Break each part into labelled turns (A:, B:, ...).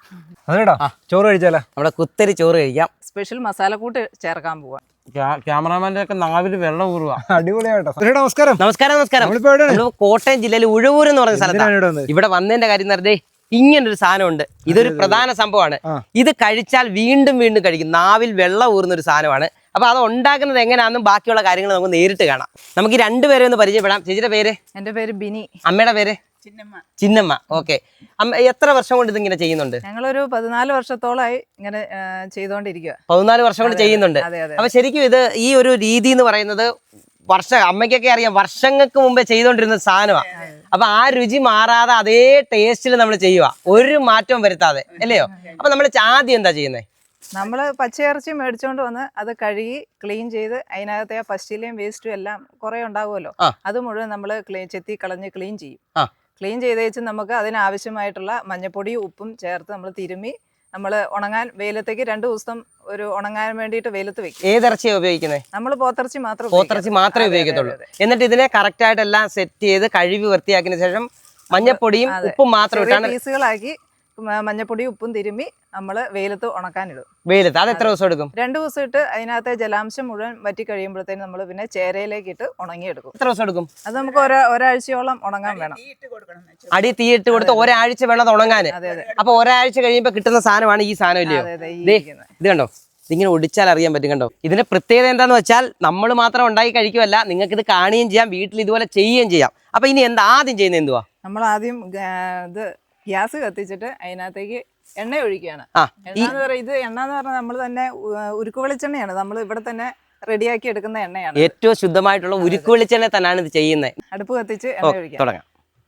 A: അതെടാ ചോറ് കഴിച്ചാലോ?
B: നമ്മുടെ കുത്തരി ചോറ് കഴിക്കാം.
C: സ്പെഷ്യൽ മസാലക്കൂട്ട് ചേർക്കാൻ പോവാ.
B: ക്യാമറാമാന്റെ ഒക്കെ നാവിൽ വെള്ളം ഊറുക.
A: അടിപൊളിയായിട്ടോ. നമസ്കാരം.
B: നമസ്കാരം. നമ്മൾ കോട്ടയം ജില്ലയിൽ ഉഴവൂർ എന്ന് പറഞ്ഞ സ്ഥലത്താണ്. ഇവിടെ വന്നതിന്റെ കാര്യം എന്ന് പറഞ്ഞാൽ ഇങ്ങനൊരു സാധനമുണ്ട്. ഇതൊരു പ്രധാന സംഭവമാണ്. ഇത് കഴിച്ചാൽ വീണ്ടും വീണ്ടും കഴിക്കും. നാവിൽ വെള്ളം ഊറുന്ന ഒരു സാധനമാണ്. അപ്പൊ അത് ഉണ്ടാക്കുന്നത് എങ്ങനെയാണെന്നും ബാക്കിയുള്ള കാര്യങ്ങൾ നമുക്ക് നേരിട്ട് കാണാം. നമുക്ക് ഈ രണ്ടുപേരെ ഒന്ന് പരിചയപ്പെടാം. ചേച്ചിയുടെ പേര്?
C: എന്റെ പേര് ബിനി.
B: അമ്മയുടെ പേര്? ചിന്നമ്മ. ഓക്കെ. അമ്മ എത്ര വർഷം കൊണ്ട് ഇതിങ്ങനെ ചെയ്യുന്നുണ്ട്?
C: ഞങ്ങളൊരു 14 വർഷത്തോളമായി ഇങ്ങനെ ചെയ്തോണ്ടിരിക്കുക.
B: 14 വർഷം കൊണ്ട് ചെയ്യുന്നുണ്ട്. അപ്പൊ ശരിക്കും ഇത് ഈ ഒരു രീതി എന്ന് പറയുന്നത് അമ്മയ്ക്കൊക്കെ അറിയാം, വർഷങ്ങൾക്ക് മുമ്പേ ചെയ്തോണ്ടിരുന്ന സാധനമാണ്. അപ്പൊ ആ രുചി മാറാതെ അതേ ടേസ്റ്റിൽ നമ്മൾ ചെയ്യുക, ഒരു മാറ്റവും വരുത്താതെ, അല്ലയോ? അപ്പൊ നമ്മൾ ആദ്യം എന്താ ചെയ്യുന്നത്?
C: നമ്മൾ പച്ചയിറച്ചി മേടിച്ചോണ്ട് വന്ന് അത് കഴുകി ക്ലീൻ ചെയ്ത് അതിനകത്തെ ആ പശ്ചിലയും വേസ്റ്റും എല്ലാം കുറെ ഉണ്ടാവുമല്ലോ, അത് മുഴുവൻ നമ്മൾ ചെത്തി കളഞ്ഞ് ക്ലീൻ ചെയ്യും. ക്ലീൻ ചെയ്ത് വെച്ച് നമുക്ക് അതിനാവശ്യമായിട്ടുള്ള മഞ്ഞപ്പൊടിയും ഉപ്പും ചേർത്ത് നമ്മൾ തിരുമ്മി നമ്മൾ ഉണങ്ങാൻ വെയിലത്തേക്ക് 2 ദിവസം ഒരു ഉണങ്ങാൻ വേണ്ടിയിട്ട് വെയിലത്ത് വെക്കും.
B: ഏതിറച്ചിയാണ് ഉപയോഗിക്കുന്നത്? നമ്മൾ
C: പോത്തിറച്ചി
B: മാത്രമേ ഉപയോഗിക്കത്തുള്ളൂ. എന്നിട്ട് ഇതിനെ കറക്റ്റ് ആയിട്ട് എല്ലാം സെറ്റ് ചെയ്ത് കഴുകി വൃത്തിയാക്കിയതിനു ശേഷം മഞ്ഞപ്പൊടിയും ഉപ്പും മാത്രം ഇട്ടാണ്
C: പീസുകളാക്കി മഞ്ഞപ്പൊടിയും ഉപ്പും തിരുമ്മി നമ്മൾ വെയിലത്ത് ഉണക്കാനിടും.
B: വെയിലത്ത് അത് എത്ര ദിവസം എടുക്കും?
C: 2 ദിവസം ഇട്ട് അതിനകത്തെ ജലാംശം മുഴുവൻ വറ്റി കഴിയുമ്പോഴത്തേനും നമ്മൾ പിന്നെ ചേരയിലേക്ക് ഇട്ട് ഉണങ്ങിയെടുക്കും.
B: എത്ര ദിവസം എടുക്കും?
C: അത് നമുക്ക് ഒരാഴ്ചയോളം ഉണങ്ങാൻ വേണം.
B: അടി തീയിട്ട് കൊടുത്ത് ഒരാഴ്ച വേണം അത് ഉണങ്ങാൻ. അപ്പൊ ഒരാഴ്ച കഴിയുമ്പോ കിട്ടുന്ന സാധനമാണ് ഈ സാധനം, ഇല്ലയോ? ഇത് കണ്ടോ, ഇതിങ്ങനെ ഒടിച്ചാൽ അറിയാൻ പറ്റും. കണ്ടോ, ഇതിന്റെ പ്രത്യേകത എന്താന്ന് വെച്ചാൽ നമ്മൾ മാത്രം ഉണ്ടാക്കി കഴിക്കുമല്ല, നിങ്ങൾക്ക് ഇത് കാണുകയും ചെയ്യാം, വീട്ടിൽ ഇതുപോലെ ചെയ്യുകയും ചെയ്യാം. അപ്പൊ ഇനി എന്താ ആദ്യം ചെയ്യുന്നത്? എന്തുവാ?
C: നമ്മൾ ആദ്യം ഇത് ഗ്യാസ് കത്തിച്ചിട്ട് അതിനകത്തേക്ക് എണ്ണ ഒഴിക്കുകയാണ്. ഇത് എണ്ണ എന്ന് പറഞ്ഞാൽ നമ്മൾ തന്നെ ഉരുക്ക് വെളിച്ചെണ്ണയാണ്, നമ്മൾ ഇവിടെ തന്നെ റെഡിയാക്കി എടുക്കുന്ന എണ്ണയാണ്.
B: ഏറ്റവും ശുദ്ധമായിട്ടുള്ള ഉരുക്ക് വെളിച്ചെണ്ണ തന്നെയാണ് ഇത് ചെയ്യുന്നത്.
C: അടുപ്പ് കത്തിച്ച് എണ്ണ ഒഴിക്കാം.
B: തുടങ്ങാം.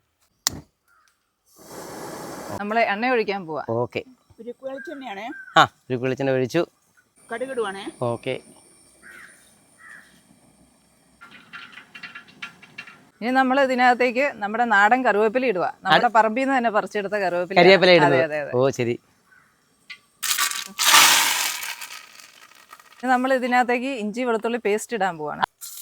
C: നമ്മൾ എണ്ണ ഒഴിക്കാൻ പോവാ.
B: ഓക്കെ.
D: ഉരുക്ക് വെളിച്ചെണ്ണയാണ്.
B: ഉരുക്ക് വെളിച്ചെണ്ണ ഒഴിച്ചു.
D: കടുകിടുവാണേ.
B: ഓക്കെ.
C: ഇനി നമ്മൾ ഇതിനകത്തേക്ക് നമ്മുടെ നാടൻ കറിവേപ്പില ഇടുക. നമ്മുടെ പറമ്പിൽ നിന്ന് തന്നെ പറിച്ചെടുത്ത കറിവേപ്പില.
B: ഓ ശരി.
C: നമ്മൾ ഇതിനകത്തേക്ക് ഇഞ്ചി വെളുത്തുള്ളി പേസ്റ്റ് ഇടാൻ പോവാണ്.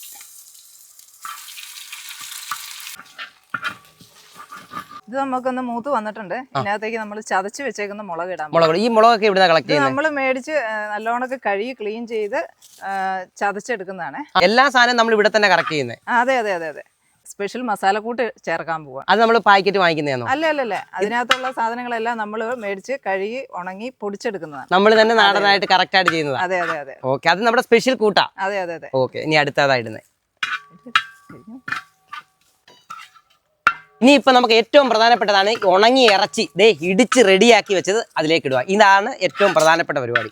C: ഇത് നമുക്കൊന്ന് മൂത്ത് വന്നിട്ടുണ്ട്. ഇതിനകത്തേക്ക് നമ്മൾ ചതച്ച് വെച്ചേക്കുന്ന മുളക് ഇടാൻ.
B: ഈ മുളകൊക്കെ ഇവിടെ കളക്ട് ചെയ്യുന്നത്?
C: നമ്മൾ മേടിച്ച് നല്ലോണമൊക്കെ കഴുകി ക്ലീൻ ചെയ്ത് ചതച്ചെടുക്കുന്നതാണ്.
B: എല്ലാ സാധനവും നമ്മൾ ഇവിടെ തന്നെ കറക്റ്റ് ചെയ്യുന്നത്?
C: അതെ. സ്പെഷ്യൽ മസാലക്കൂട്ട് ചേർക്കാൻ പോവാ.
B: അത് നമ്മൾ പാക്കറ്റ് വാങ്ങിക്കുന്നതാണോ?
C: അല്ല. അതിനകത്തുള്ള സാധനങ്ങളെല്ലാം നമ്മൾ മേടിച്ച് കഴുകി ഉണങ്ങി പൊടിച്ചെടുക്കുന്നതാണ്.
B: നമ്മൾ തന്നെ നാടനായിട്ട് കറക്റ്റ് ആയിട്ട് ചെയ്യുന്നത്?
C: അതെ.
B: ഓക്കെ. അത് നമ്മുടെ സ്പെഷ്യൽ കൂട്ടാ?
C: അതെ.
B: ഓക്കെ. ഇനി അടുത്തതായിടുന്നത് ഇനി ഇപ്പൊ നമുക്ക് ഏറ്റവും പ്രധാനപ്പെട്ടതാണ് ഉണങ്ങിയ ഇറച്ചി ഇടിച്ച് റെഡിയാക്കി വെച്ചത് അതിലേക്ക് ഇടുക. ഇതാണ് ഏറ്റവും പ്രധാനപ്പെട്ട പരിപാടി.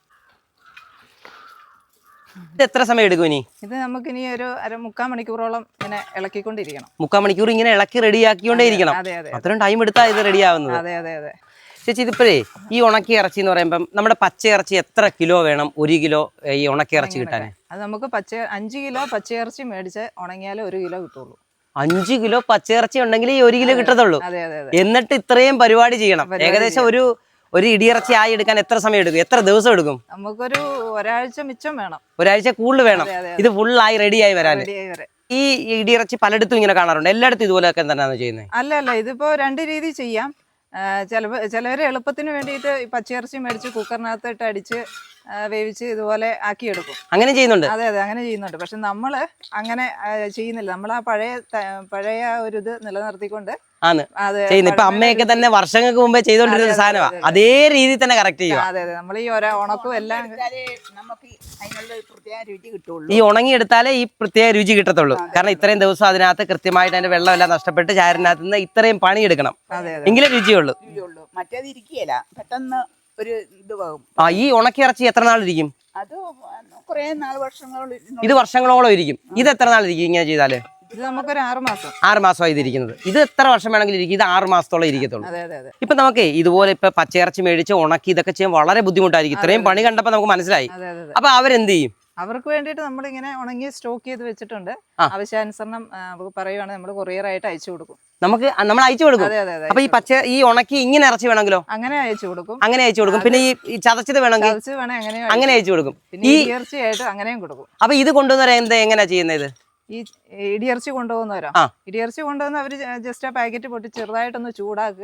B: ഇത് എത്ര സമയം എടുക്കും ഇനി?
C: ഇത് നമുക്ക് ഇനി ഒരു 3/4 മണിക്കൂറോളം ഇങ്ങനെ ഇളക്കിക്കൊണ്ടിരിക്കണം.
B: 3/4 മണിക്കൂർ ഇങ്ങനെ ഇളക്കി റെഡിയാക്കിക്കൊണ്ടേ ഇരിക്കണം. അത്രയും ടൈം എടുത്താൽ ഇത് റെഡി ആവുന്നത്?
C: അതെ.
B: ചേച്ചി, ഇതിപ്പോഴേ ഈ ഉണക്കി ഇറച്ചി എന്ന് പറയുമ്പം നമ്മുടെ പച്ച ഇറച്ചി എത്ര കിലോ വേണം 1 കിലോ ഈ ഉണക്കി ഇറച്ചി കിട്ടാൻ?
C: അത് നമുക്ക് 5 കിലോ പച്ചയിറച്ചി മേടിച്ച് ഉണങ്ങിയാലേ 1 കിലോ കിട്ടുള്ളൂ.
B: 5 കിലോ പച്ചയിറച്ചി ഉണ്ടെങ്കിൽ ഈ 1 കിലോ കിട്ടത്തുള്ളൂ.
C: അതെ.
B: എന്നിട്ട് ഇത്രയും പരിപാടി ചെയ്യണം. ഏകദേശം ഒരു ഇടിയിറച്ചി ആയി എടുക്കാൻ എത്ര സമയം എടുക്കും? എത്ര ദിവസം എടുക്കും?
C: നമുക്കൊരു ഒരാഴ്ച മിച്ചം വേണം.
B: ഒരാഴ്ച കൂടുതൽ വേണം ഇത് ഫുള്ളായി റെഡിയായി വരാൻ. ഈ ഇടിയിറച്ചി പലയിടത്തും ഇങ്ങനെ കാണാറുണ്ട്. എല്ലായിടത്തും ഇതുപോലെയൊക്കെ തന്നെയാണ് ചെയ്യുന്നത്?
C: അല്ല, ഇതിപ്പോ 2 രീതി ചെയ്യാം. ചിലവര് എളുപ്പത്തിന് വേണ്ടിയിട്ട് പച്ചയിറച്ചി മേടിച്ച് കുക്കറിനകത്ത് ഇട്ട് അടിച്ച് വേവിച്ച് ഇതുപോലെ ആക്കിയെടുക്കും.
B: അങ്ങനെ ചെയ്യുന്നുണ്ട്?
C: അതെ, അങ്ങനെ ചെയ്യുന്നുണ്ട്. പക്ഷെ നമ്മള് അങ്ങനെ ചെയ്യുന്നില്ല. നമ്മൾ ആ പഴയ ഒരു ഇത് നിലനിർത്തിക്കൊണ്ട്
B: ഇപ്പൊ അമ്മയൊക്കെ തന്നെ വർഷങ്ങൾക്ക് മുമ്പേ ചെയ്തോണ്ടിരുന്ന സാധനമാണ്. അതേ രീതിയിൽ തന്നെ കറക്റ്റ് ചെയ്യുക.
C: അതെ. നമ്മൾ ഈ ഉണക്കും എല്ലാം
D: നമുക്ക് അതിനുള്ള പ്രത്യേക രുചി കിട്ടുള്ളൂ.
B: ഈ ഉണങ്ങിയെടുത്താലേ ഈ പ്രത്യേക രുചി കിട്ടത്തുള്ളൂ. കാരണം ഇത്രയും ദിവസം അതിനകത്ത് കൃത്യമായിട്ട് അതിന്റെ വെള്ളമെല്ലാം നഷ്ടപ്പെട്ട് ചാരിനകത്ത് നിന്ന് ഇത്രയും പണിയെടുക്കണം, എങ്കിലേ രുചിയുള്ളൂ.
D: മറ്റേത് ഇരിക്കുകയില്ല, പെട്ടെന്ന് ഒരു ഇത് പോകും.
B: ഈ ഉണക്കിയിറച്ചി എത്ര നാളിരിക്കും?
D: അത് കുറെ വർഷങ്ങളോളം.
B: ഇത് വർഷങ്ങളോളം ഇരിക്കും. ഇത് എത്ര നാളിരിക്കും ഇങ്ങനെ ചെയ്താല്?
C: ഇത് നമുക്കൊരു 6 മാസം.
B: 6 മാസമായി ഇതിരിക്കുന്നത്. ഇത് എത്ര വർഷം വേണമെങ്കിലും ഇരിക്കും. ഇത് 6 മാസത്തോളം ഇരിക്കത്തുള്ളൂ. ഇപ്പൊ നമുക്ക് ഇതുപോലെ ഇപ്പൊ പച്ചയിറച്ചി മേടിച്ച് ഉണക്കി ഇതൊക്കെ ചെയ്യാൻ വളരെ ബുദ്ധിമുട്ടായിരിക്കും. ഇത്രയും പണി കണ്ടപ്പോ നമുക്ക് മനസ്സിലായി. അപ്പൊ അവരെന്ത് ചെയ്യും?
C: അവർക്ക് വേണ്ടിയിട്ട് നമ്മളിങ്ങനെ ഉണങ്ങി സ്റ്റോക്ക് ചെയ്ത് വെച്ചിട്ടുണ്ട്. ആവശ്യാനുസരണം പറയുവാണെങ്കിൽ നമ്മൾ കൊറിയറായിട്ട് അയച്ചു കൊടുക്കും.
B: നമ്മൾ അയച്ചു കൊടുക്കും. അപ്പൊ ഈ ഉണക്കി ഇങ്ങനെ ഇറച്ചി വേണമെങ്കിലോ?
C: അങ്ങനെ അയച്ചു കൊടുക്കും.
B: പിന്നെ ഈ ചതച്ചത് വേണമെങ്കിൽ അങ്ങനെ അയച്ചു കൊടുക്കും.
C: ഈ ഇറച്ചിയായിട്ട് അങ്ങനെയും കൊടുക്കും.
B: അപ്പൊ ഇത് കൊണ്ടുവന്നവരെ എങ്ങനെയാ ചെയ്യുന്നത്?
C: ഈ ഇടിയിറച്ചി കൊണ്ടുപോകുന്നവരോ? ഇടിയിറച്ചി കൊണ്ടുവന്ന് അവര് ജസ്റ്റ് ആ പാക്കറ്റ് പൊട്ടി ചെറുതായിട്ടൊന്ന് ചൂടാക്കുക,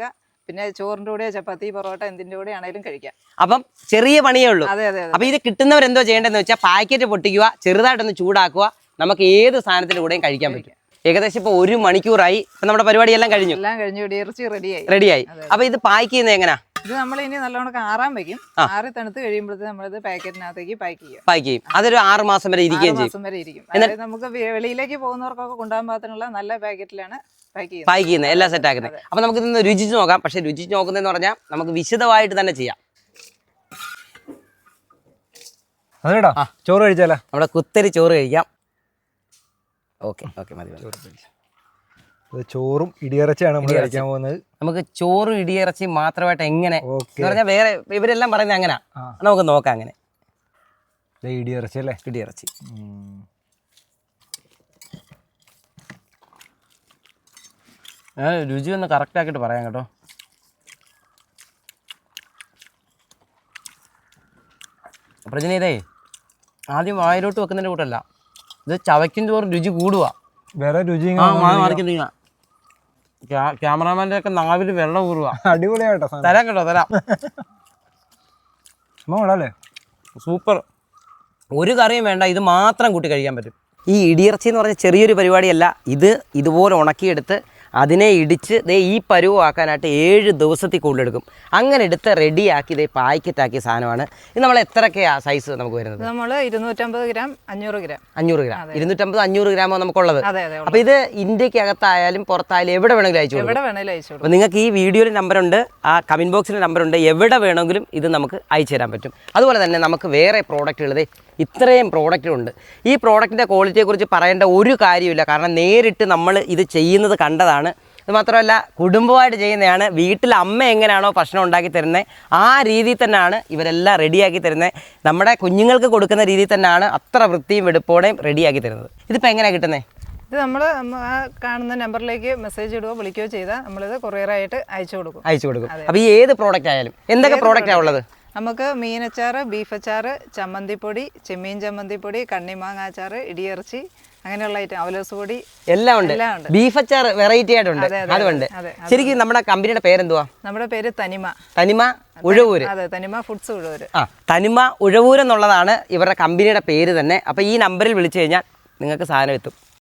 C: പിന്നെ ചോറിന്റെ കൂടെ ചപ്പാത്തി പൊറോട്ട എന്തിന്റെ കൂടെ ആണെങ്കിലും കഴിക്കാം.
B: അപ്പം ചെറിയ പണിയേ ഉള്ളൂ.
C: അതെ അതെ
B: അപ്പൊ ഇത് കിട്ടുന്നവരെന്തോ ചെയ്യേണ്ടതെന്ന് വെച്ചാൽ പാക്കറ്റ് പൊട്ടിക്കുക, ചെറുതായിട്ടൊന്ന് ചൂടാക്കുക, നമുക്ക് ഏത് സാധനത്തിന്റെ കൂടെയും കഴിക്കാൻ പറ്റും. ഏകദേശം ഇപ്പൊ 1 മണിക്കൂറായി. ഇപ്പൊ നമ്മുടെ പരിപാടിയെല്ലാം കഴിഞ്ഞു,
C: എല്ലാം കഴിഞ്ഞു, ഇറച്ചി റെഡിയായി.
B: റെഡിയായി. അപ്പൊ ഇത് പാക്ക് ചെയ്യുന്നത് എങ്ങനെയാ?
C: ഇത് നമ്മൾ ഇനി നല്ലോണം ആറാൻ വെക്കും. ആറി തണുത്ത് കഴിയുമ്പോഴത്തേക്ക് നമ്മളിത് പാക്കറ്റിനകത്തേക്ക് പാക്ക് ചെയ്യും.
B: പാക്ക് ചെയ്യും. അതൊരു 6 മാസം വരെ ഇരിക്കുകയും ചെയ്യും.
C: 6 മാസം വരെ ഇരിക്കും. അതായത് നമുക്ക് വെളിയിലേക്ക് പോകുന്നവർക്കൊക്കെ കൊണ്ടുപോകാൻ പാകത്തിനുള്ള നല്ല പാക്കറ്റിലാണ്
B: പാക്ക് ചെയ്യുന്നത്, എല്ലാം സെറ്റ് ആക്കുന്നത്. അപ്പൊ നമുക്ക് ഇതൊന്ന് രുചിച്ച് നോക്കാം. പക്ഷെ രുചിച്ച് നോക്കുന്നതെന്ന് പറഞ്ഞാൽ നമുക്ക് വിശദമായിട്ട് തന്നെ ചെയ്യാം.
A: അതേടാ ചോറ് കഴിച്ചാലോ?
B: നമ്മുടെ കുത്തരി ചോറ് കഴിക്കാം. ഓക്കെ ഓക്കെ മതി.
A: ചോറും ഇടിയിറച്ചിയാണ് നമ്മൾ കഴിക്കാൻ പോകുന്നത്.
B: നമുക്ക് ചോറും ഇടിയിറച്ചി മാത്രമായിട്ട് എങ്ങനെ എന്ന് പറഞ്ഞാൽ വേറെ ഇവരെല്ലാം പറയുന്നത് അങ്ങനെ നമുക്ക് നോക്കാം. അങ്ങനെ
A: ഇടിയിറച്ചി അല്ലേ?
B: ഇടിയിറച്ചി ഞാൻ രുചി ഒന്ന് കറക്റ്റ് ആക്കിയിട്ട് പറയാം കേട്ടോ. പ്രജന ഇതേ ആദ്യം വായിലോട്ട് വെക്കുന്നതിൻ്റെ കൂട്ടല്ല, ഇത് ചവയ്ക്കും തോറും രുചി കൂടുക.
A: വേറെ രുചി
B: മാറിക്കുന്ന ക്യാമറാമാൻ്റെ ഒക്കെ നാവിൽ വെള്ളം ഊറുക.
A: അടിപൊളിയായിട്ടോ.
B: തരാം കേട്ടോ, തരാം.
A: അല്ലേ?
B: സൂപ്പർ. ഒരു കറിയും വേണ്ട, ഇത് മാത്രം കൂട്ടി കഴിക്കാൻ പറ്റും. ഈ ഇടിയിറച്ചി എന്ന് പറഞ്ഞ ചെറിയൊരു പരിപാടിയല്ല. ഇത് ഇതുപോലെ ഉണക്കിയെടുത്ത് അതിനെ ഇടിച്ച് ഈ പരുവാക്കാനായിട്ട് 7 ദിവസത്തിൽ കൂടുതലെടുക്കും. അങ്ങനെ എടുത്ത് റെഡിയാക്കി പാക്കറ്റാക്കിയ സാധനമാണ് ഇത്. നമ്മൾ എത്രയൊക്കെയാണ് സൈസ് നമുക്ക് വരുന്നത്?
C: നമ്മൾ 250 ഗ്രാം 500 ഗ്രാം
B: 250-500 ഗ്രാമോ നമുക്കുള്ളത്. അപ്പോൾ ഇത് ഇന്ത്യക്കകത്തായാലും പുറത്തായാലും എവിടെ വേണമെങ്കിലും അയച്ചു കൊടുക്കും. അപ്പോൾ നിങ്ങൾക്ക് ഈ വീഡിയോയിൽ നമ്പറുണ്ട്, ആ കമൻറ്റ് ബോക്സിൽ നമ്പറുണ്ട്. എവിടെ വേണമെങ്കിലും ഇത് നമുക്ക് അയച്ചു തരാൻ പറ്റും. അതുപോലെ തന്നെ നമുക്ക് വേറെ പ്രോഡക്റ്റുകൾ ഇത്രയും പ്രോഡക്റ്റുണ്ട്. ഈ പ്രോഡക്റ്റിൻ്റെ ക്വാളിറ്റിയെക്കുറിച്ച് പറയേണ്ട ഒരു കാര്യമില്ല. കാരണം നേരിട്ട് നമ്മൾ ഇത് ചെയ്യുന്നത് കണ്ടതാണ്. അത് മാത്രമല്ല കുടുംബമായിട്ട് ചെയ്യുന്നതാണ്. വീട്ടിൽ അമ്മ എങ്ങനെയാണോ ഭക്ഷണം ഉണ്ടാക്കി തരുന്നത് ആ രീതിയിൽ തന്നെയാണ് ഇവരെല്ലാം റെഡിയാക്കി തരുന്നത്. നമ്മുടെ കുഞ്ഞുങ്ങൾക്ക് കൊടുക്കുന്ന രീതിയിൽ തന്നെയാണ് അത്ര വൃത്തിയും വെടുപ്പോടെയും റെഡിയാക്കി തരുന്നത്. ഇതിപ്പോൾ എങ്ങനെയാണ് കിട്ടുന്നത്?
C: ഇത് നമ്മൾ കാണുന്ന നമ്പറിലേക്ക് മെസ്സേജ് ഇടുകയോ വിളിക്കുകയോ ചെയ്താൽ നമ്മളിത് കൊറിയറായിട്ട് അയച്ചു കൊടുക്കും.
B: അപ്പോൾ ഈ ഏത് പ്രോഡക്റ്റ് ആയാലും എന്തൊക്കെ പ്രോഡക്റ്റാണ് ഉള്ളത്?
C: നമുക്ക് മീനച്ചാറ്, ബീഫ് അച്ചാറ്, ചമ്മന്തിപ്പൊടി, ചെമ്മീൻ ചമ്മന്തിപ്പൊടി, കണ്ണിമാങ്ങ അച്ചാറ്, ഇടിയിറച്ചി, അങ്ങനെയുള്ള ഐറ്റം, അവലോസ് പൊടി
B: എല്ലാം ഉണ്ട്. ബീഫ് അച്ചാർ വെറൈറ്റി ആയിട്ടുണ്ട്, അതുകൊണ്ട്. ശരിക്കും നമ്മുടെ കമ്പനിയുടെ പേരെന്തുവാ?
C: നമ്മുടെ പേര്
B: തനിമ ഉഴവൂര്.
C: അതെ, തനിമ ഫുഡ്സ് ഉഴവൂര്.
B: തനിമ ഉഴവൂര് എന്നുള്ളതാണ് ഇവരുടെ കമ്പനിയുടെ പേര് തന്നെ. അപ്പോൾ ഈ നമ്പറിൽ വിളിച്ചു കഴിഞ്ഞാൽ നിങ്ങൾക്ക് സാധനം എത്തും.